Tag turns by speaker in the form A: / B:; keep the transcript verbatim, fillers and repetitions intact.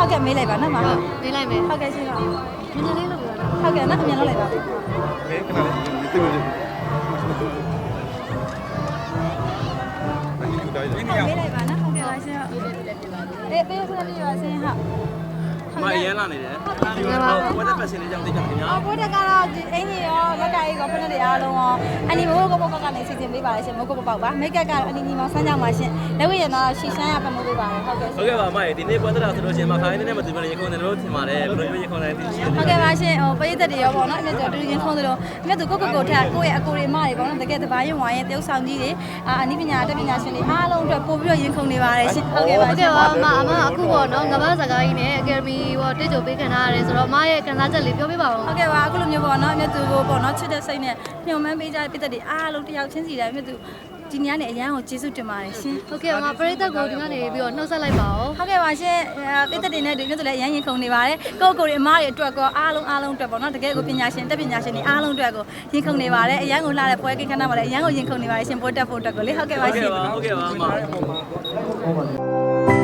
A: ဟုတ်ကဲ့မေးလိုက်ပါနော်မ
B: မေးလိုက်မယ်
A: ဟုတ်ကဲ့ရှင်ဟုတ်
B: နည်းနည်းလေးလုပ်ပြပါလား
A: ဟုတ်ကဲ့နော်အမြန်လုပ်လိုက်ပါ
C: မဲခဏလေးတိတ်တိတ်လေးအဲ့ဒီတိုင်း
A: မေးလိုက်ပါနော်ဟုတ်ကဲ့ပါရှင်ဟုတ်အေးပေးခွင့်ပြုပါရှင်ဟုတ်
D: မအရန်လာနေတယ်ဒီကတော့ဝက်သက်ပတ်စင်လေးကြောင့်သိကြတယ်ညာ
A: အော်ဘိုးတက်ကတော့ဒီအင်ကြီးရောလက်ကကြီးရောဖက်နဲ့အားလုံးရောအနီမိုးကိုပေါက်ကနေစီစဉ်ပေးပါလေရှင်မိုးကိုပေါက်ပါမိတ်ကပ်ကတော့အနီညီမောင်ဆန်းကြောင်ပါရှင်လက်ဝဲရတော့ရှီရှမ်းရပမိုးပေးပါတယ်ဟုတ်ကဲ့
D: ဟုတ်ကဲ့ပါမရေဒီနေ့ပွဲသက်တာဆိုလို့ရှိရင်မခိုင်းတဲ့နဲ့မတူဘဲရေခုံတယ်လို့ထင်ပါတယ်ဘယ်လိုမျိုးရေခုံတယ်သိရှိတယ်
A: ဟုတ်ကဲ့ပါရှင်ဟိုပရိသတ်တွေရောပေါ့နော်အမြတ်ကျော်တူချင်းခုံးသလိုအမြတ်သူကိုကိုကိုထက်ကိုယ့်ရဲ့အကိုတွေမတွေပေါ့နော်တကယ်တပါရင်ဝိုင်းရဲ့တယောက်ဆောင်ကြီးတွေအာအနည်းပညာတက်ပညာရှင်တွေအားလုံးအတွက်ပို့ပြီးတော့ရင်ခုန်နေပါတယ်ရှင်ဟုတ်ကဲ့ပါ
B: ဟုတ်ကဲ့ပါအမအမအခုပေါ့နော်ငဘာစကားကြီးနဲ့အကယ်ဒမီဟောတိတ်ကြိုပေးခံထားရတယ်ဆိုတော့အမရဲ့ခံစားချက်လေးပြောပြပါဦး
A: ဟုတ်ကဲ့ပါအခုလိုမျိုးပေါ့နော်အမြတ်သူကိုပေါ့နော်ချစ်တဲ့စိတ်နဲ့ညှို့မှန်းပေးကြတဲ့ပြည်သက်တွေအားလုံးတယောက်ချင်းစီတိုင်းအမြတ်သူဒီနေ့ကနေအရန်ကိုကျေးဇူးတင်ပါတယ်ရှင်
B: ဟုတ်ကဲ့အမပရိသတ်ကိုဒီကနေပြီးတော့နှုတ်ဆက်လိုက်ပါဦး
A: ဟုတ်ကဲ့ပါရှင်ပြည်သက်တွေနဲ့ဒီမြတ်သူလည်းအရန်ရင်ခုန်နေပါတယ်ကိုကိုတွေအမားတွေအတွက်ကောအားလုံးအားလုံးအတွက်ပေါ့နော်တကယ်ကိုပညာရှင်တက်ပညာရှင်တွေအားလုံးအတွက်ကိုရင်ခုန်နေပါတယ်အရန်ကိုလှတဲ့ပွဲကိန်းခဏမှာလည်းအရန်ကိုရင်ခုန်နေပါတယ်ရှင်ပို့တက်ဖို့အတွက်ကိုလေဟုတ်ကဲ့ပါ
D: ဟုတ်
A: ရှင်
D: ကဲ့ပါဟုတ်ကဲ့ပါအမ